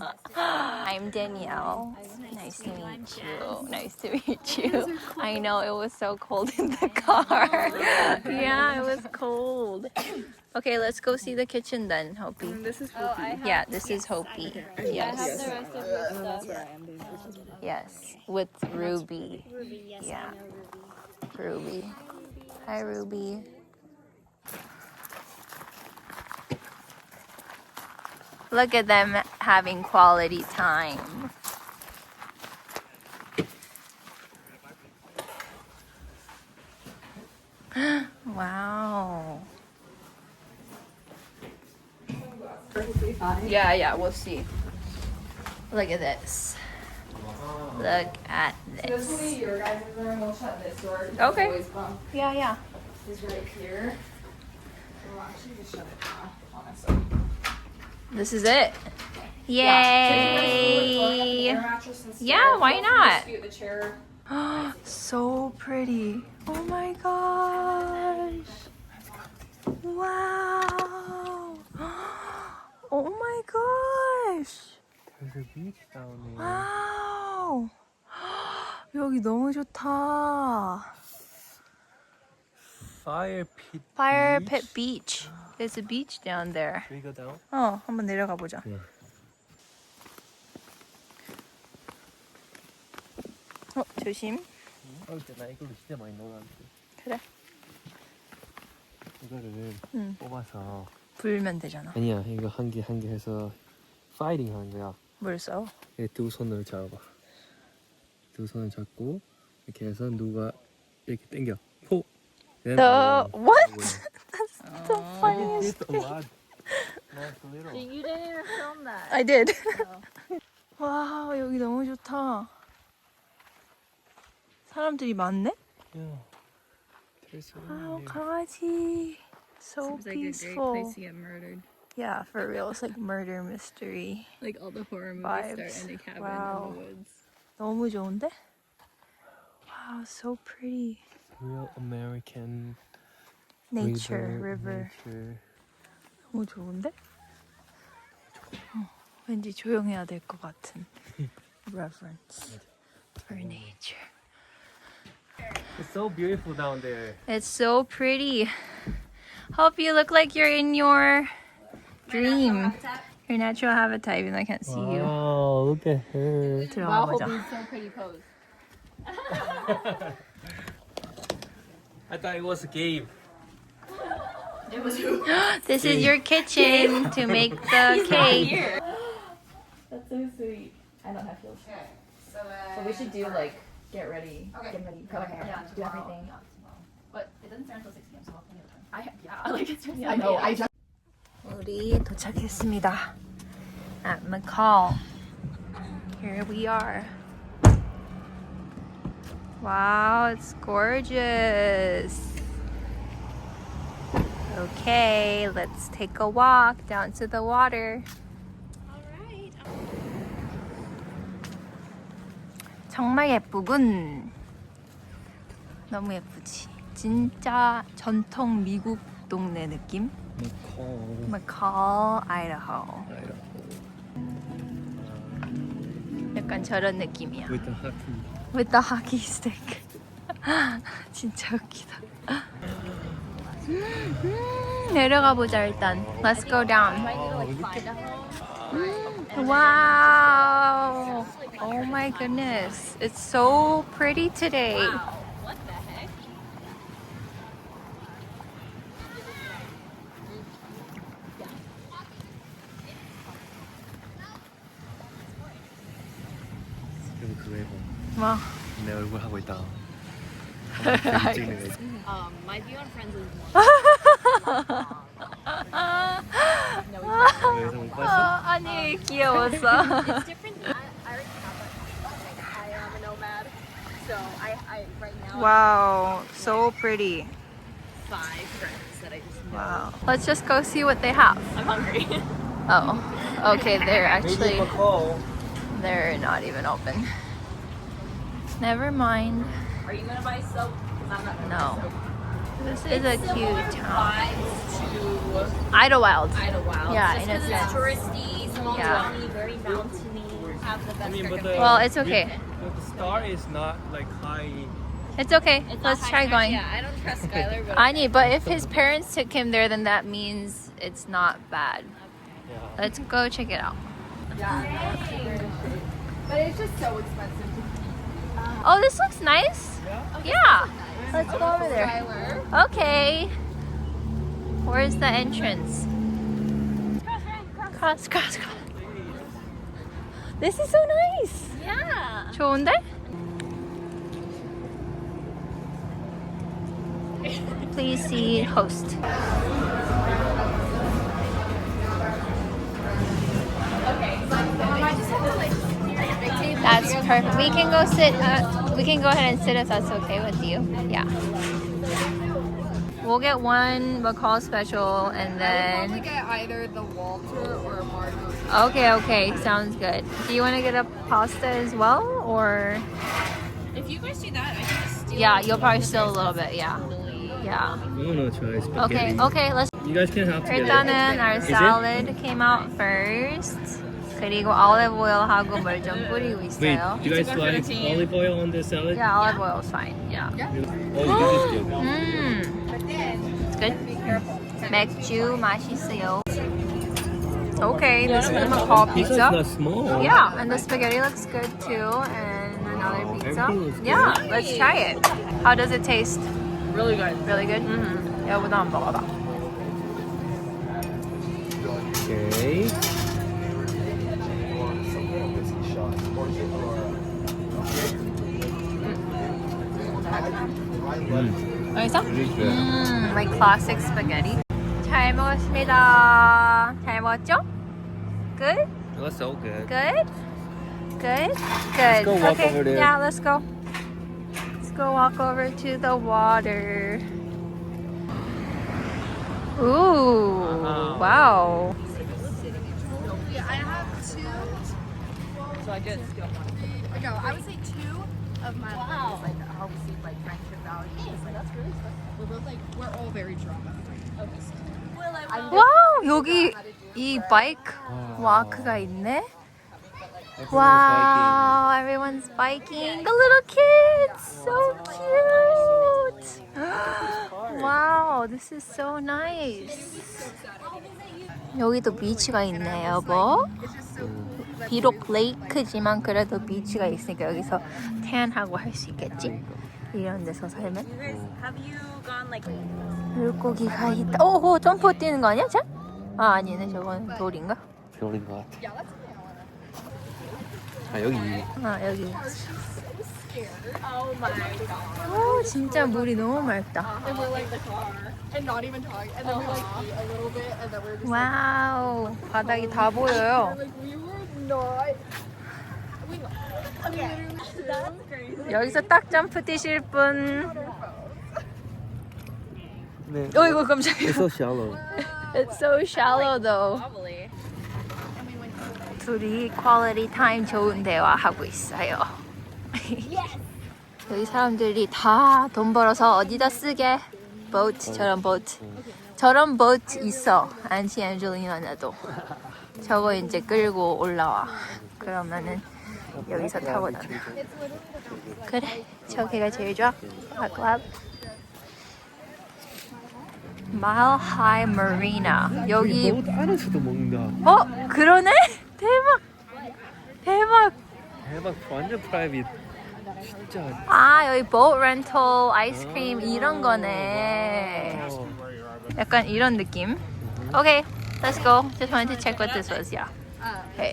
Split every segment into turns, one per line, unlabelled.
I'm Danielle. Nice to meet you. Nice to meet you. I know it was so cold in the car. Yeah, it was cold. Okay, let's go see the kitchen then, Hopi.
This is Hopi.
Yeah, this is Hopi. Yes.
I have the rest of your stuff.
Yes, with Ruby.
Ruby, yes,
Yeah.
I know Ruby.
Ruby. Hi, Ruby. Look at them having quality time. Wow. Yeah, we'll see. Look at this. Look at
This will
this.
be your guys' room. We'll shut this door.
Okay.
Boys' bunk
Yeah.
is right here. We'll actually just shut it now, honestly.
This is it. Yay! Yeah, why not?
The chair.
So pretty. Oh my gosh. Wow. Oh my gosh.
There's a beach down there.
와우. 여기 너무 좋다.
Fire pit.
Fire
beach.
Pit Beach. There's a beach down there.
Should we go down?
한번 내려가 보자.
네.
조심.
근데 나 이걸로 진짜 많이 놀았는데.
그래.
이거를
응.
뽑아서.
불면 되잖아.
아니야, 이거 한 개 해서 파이팅 하는 거야.
뭘 써?
이렇게 두 손을 잡아. 두 손을 잡고 이렇게 해서 누가 이렇게 당겨. 포.
The what? That's the funniest.
It's a lot. Not a little.
You didn't even film that.
I did. 와, 여기 너무 좋다. 사람들이 많네?
Yeah. There's so
와우,
many.
강아지. So
Seems like a great
peaceful.
place to get murdered.
Yeah, for real. It's like murder mystery.
Like all the horror movies
Vibes.
start in a cabin
Wow.
in the woods.
너무 좋은데? Wow, so pretty.
Real American
Nature, river.
Nature.
너무 좋은데? 왠지 조용해야 될 것 같은 reverence for nature.
It's so beautiful down there.
It's so pretty. Hope you look like you're in your dream. Your natural habitat, even though I can't see you.
Wow, look at her.
들어가 보자.
so pretty pose.
I thought it was a game.
This is your kitchen to make the cake.
That's so sweet. I don't have heels. So we should do like get ready, get ready, color hair, do everything. But it doesn't start until 6 p.m. So we'll have plenty of time. Yeah, like it's really. I know. I just.
우리 도착했습니다. At McCall. Here we are. Wow, it's gorgeous. Okay, let's take a walk down to the water.
Alright.
정말 예쁘군. 너무 예쁘지? 진짜 전통 미국 동네 느낌? McCall, Idaho. 약간 저런 느낌이야.
With the hockey.
With the hockey stick. 진짜 웃기다. 내려가 보자 일단. Let's go down. Wow. Oh my goodness. It's so pretty today.
What the heck?
여기 그거 해봐.
뭐?
내 얼굴 하고 있다.
My view on Friends is
여기서 못 봤어?
아니 귀여웠어.
it's different. I already have that. I am a nomad, so I right now
Wow, so pretty.
5 friends that I just know.
Wow. Let's just go see what they have.
I'm hungry.
Oh, okay. They're actually
McCall.
they're not even open. Never mind.
Are you gonna buy soap? 'Cause I'm not gonna
No.
buy soap.
This is a cute town.
Vibes to
Idlewild.
Idlewild.
Yeah,
Just
in a
'cause it's
sense.
touristy, so
Yeah.
very mountainy, have the best
but
Well, it's okay.
the star is not like high.
It's okay. Let's try going.
Yeah, I don't trust Skylar, but
Ani, but if his parents took him there, then that means it's not bad.
Yeah.
Let's go check it out.
But it's just so expensive.
Oh, this looks nice. Yeah. Let's go over there.
Skylar.
Okay. Where's the entrance? Cross. This is so nice.
yeah.
좋은데? Please see host. That's perfect. We can go sit. We can go ahead and sit if that's okay with you. Yeah. We'll get one McCall special and
Probably
then.
get either the Walter or a margarita.
Okay. Sounds good. Do you want to get a pasta as well, or?
If you guys do that, I can just steal.
Yeah, you'll probably steal a little bit. Yeah. Yeah.
I'm gonna try spaghetti.
Okay. Let's.
You guys can have together.
일단은 our
Is it?
salad came out first. 그리고 olive oil하고 물 좀 뿌리고
Wait,
있어요.
do you guys like olive oil on the salad?
Yeah, olive oil is fine. Yeah.
Oh, this is good.
It's good. 맥주 맛있어요. Okay, this is the McCall
Pizza's
pizza.
not small.
Yeah, and the spaghetti looks good too, and another pizza.
everything looks good.
Yeah, let's try it. How does it taste?
Really good.
Really good. 여보도 한번 먹어봐.
Okay.
맛있어? Like classic spaghetti. 잘 먹었습니다. 잘 먹었죠? Good?
It was so good.
Good? Good? Good.
go walk
okay.
over there.
Yeah, let's go. Let's go walk over to the water. Ooh, wow.
Yeah, I have two.
So I just
No, I would say two of my wow. Like help see like friendship values. Like that's really special. We're both like we're all very drama.
와우, 여기 이 바이크 와크가 있네. Wow, everyone's biking. The little kids, so cute. Wow, this is so nice. 여기도 비치가 있네, 여보. 비록 레이크지만 그래도 비치가 있으니까 여기서 태안하고 할 수 있겠지? 이런 데서 살면.
have you gone like
물고기가 있다. 오, 점프 뛰는 거 아니야, 자? 아, 아니네, 저건 돌인가?
별인 것 같아. 아, 여기.
아, 여기.
oh my god.
오, 진짜 물이 너무 맑다.
And we're like the car and not even talking. And then we like eat a little bit and then we're just
와우, 바닥이 다 보여요.
like we were not.
That's crazy.
여기서 딱 점프 뛰실 분.
네.
어이구, 깜짝이야.
It's so shallow.
It's so shallow though.
Probably.
둘이 퀄리티 타임 좋은 대화 하고 있어요. 여기 사람들이 다 돈 벌어서 어디다 쓰게? 보트, 저런 보트 있어. 안티 앤젤리나도. 저거 이제 끌고 올라와. 그러면은 여기서 타고 다녀. 그래, 저기가 제일 좋아. 아쿠아. Mile High Marina. 여기
보트 안에서도 먹는다.
어? 그러네? 대박! 대박!
대박, 완전 프라이빗. 진짜.
아, 여기 boat rental, 아이스크림 이런 거네. 약간 이런 느낌. Okay, let's go. Just wanted to check what this was. Yeah. Okay.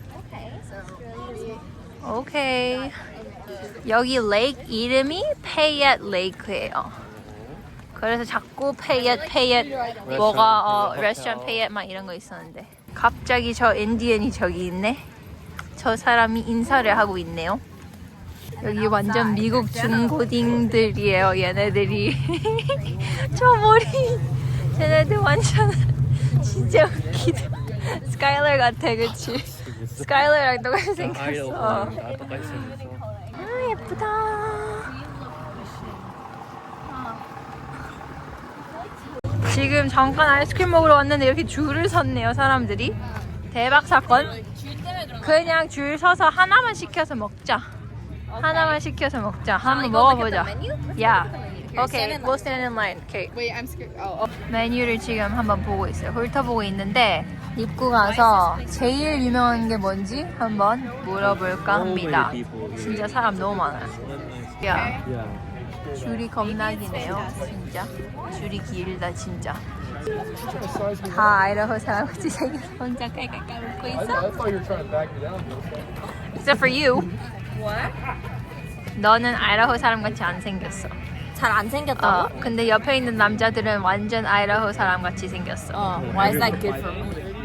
Okay. 여기 레이크 이름이 Payette Lake예요. 그래서 자꾸 Payette 뭐가 레스토랑 Payette 막 이런 거 있었는데 갑자기 저 인디언이 저기 있네. 저 사람이 인사를 하고 있네요. 여기 완전 미국 중고딩들이에요, 얘네들이. 저 머리, 쟤네들 완전 진짜 웃기다. 스카일러 같아, 그치? 스카일러랑 똑같이 생겼어.
다 똑같이 생겼어.
아, 예쁘다. 지금 잠깐 아이스크림 먹으러 왔는데 이렇게 줄을 섰네요, 사람들이. 대박 사건. 그냥 줄 서서 하나만 시켜서 먹자. 하나만 시켜서 먹자. 한번 먹어보자. Yeah. Okay, we'll stand in line. Okay.
Wait, I'm scared. Oh,
메뉴를 지금 한번 보고 있어요. 훑어보고 있는데 입구 가서 제일 유명한 게 뭔지 한번 물어볼까 합니다. 진짜 사람 너무 많아요. 야, 줄이 겁나 기네요. 진짜. 줄이 길다 진짜. 다 아이다호 사람같이 생겨서 혼자 깔깔깔 웃고 있어. Except for you.
What?
너는 아이다호 사람같이 안 생겼어.
잘 안 생겼다고?
근데 옆에 있는 남자들은 완전 아이다호 사람같이 생겼어.
Why is that good for me?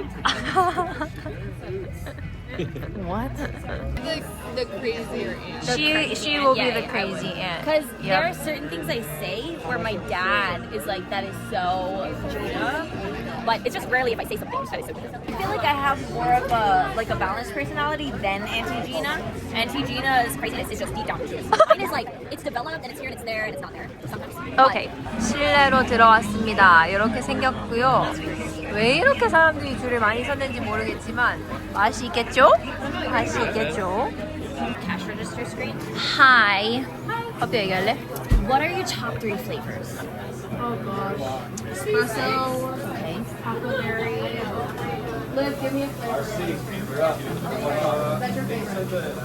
What?
the crazier aunt.
She will be
Yeah,
the
yeah,
crazy aunt.
Because there are
Yep.
certain things I say where my dad is like, that is so Gina. But it's just rarely if I say something that is so Gina. I feel like I have more of a balanced personality than Auntie Gina. Auntie Gina's craziness is just deep down. Mine is like, it's developed and it's here and it's there and it's not there sometimes.
오케이, 실내로 들어왔습니다. 이렇게 생겼고요. 왜 이렇게 사람들이 줄을 많이 섰는지 모르겠지만 맛이 있겠죠? 맛이 있겠죠?
Cash register screen.
Hi. 커피 얘기할래?
What are your top 3 flavors?
Oh gosh. Espresso.
Okay.
Huckleberry. Liv, give me a flavor. That's your favorite.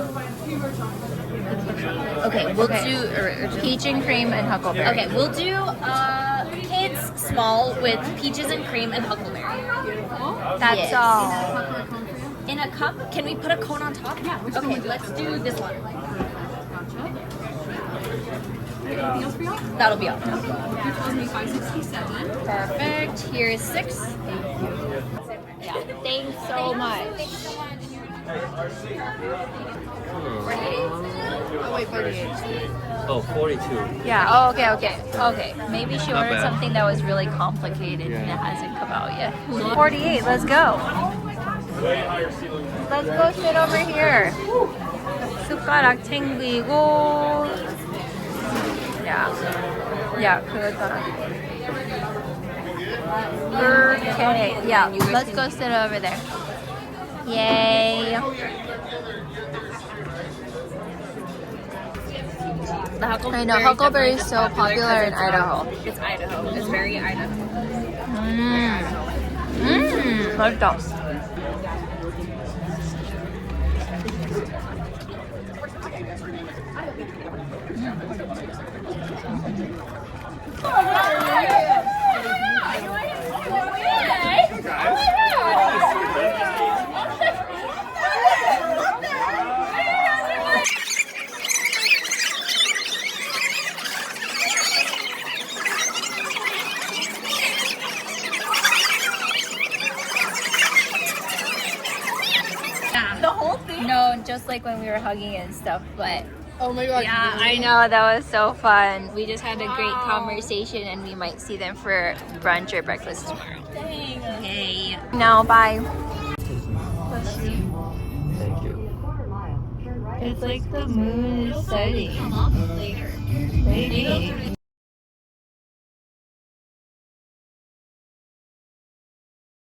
Okay, we'll do
Peach and cream and huckleberry.
Okay, we'll do kids small with peaches and cream and huckleberry.
That's
Yes.
all.
In a cup, can we put a cone on top?
Yeah, which one
Okay,
would you
let's do this one.
Gotcha. Anything else for y'all?
That'll be all.
You told me 567.
Perfect. Here's 6.
Yeah. Thanks so much.
Oh wait, 48.
Oh, 42.
Yeah. Oh, okay. Maybe she
Not
ordered
bad.
something that was really complicated and
Yeah.
it hasn't come out yet. 48. Let's go. Let's go sit over here. 숟가락 챙기고. Yeah. 그거잖아. Okay. Yeah. Let's go sit over there. Yay.
The huckleberry.
I know huckleberry is so popular in Idaho.
It's Idaho. It's very Idaho.
맛있다.
The whole thing.
No, just like when we were hugging and stuff, but
Oh my god.
yeah, I know that was so fun. We just had a great conversation and we might see them for brunch or breakfast tomorrow.
Dang.
Yay. Now, bye.
Thank you.
It's like the moon is setting.
Later.
Maybe.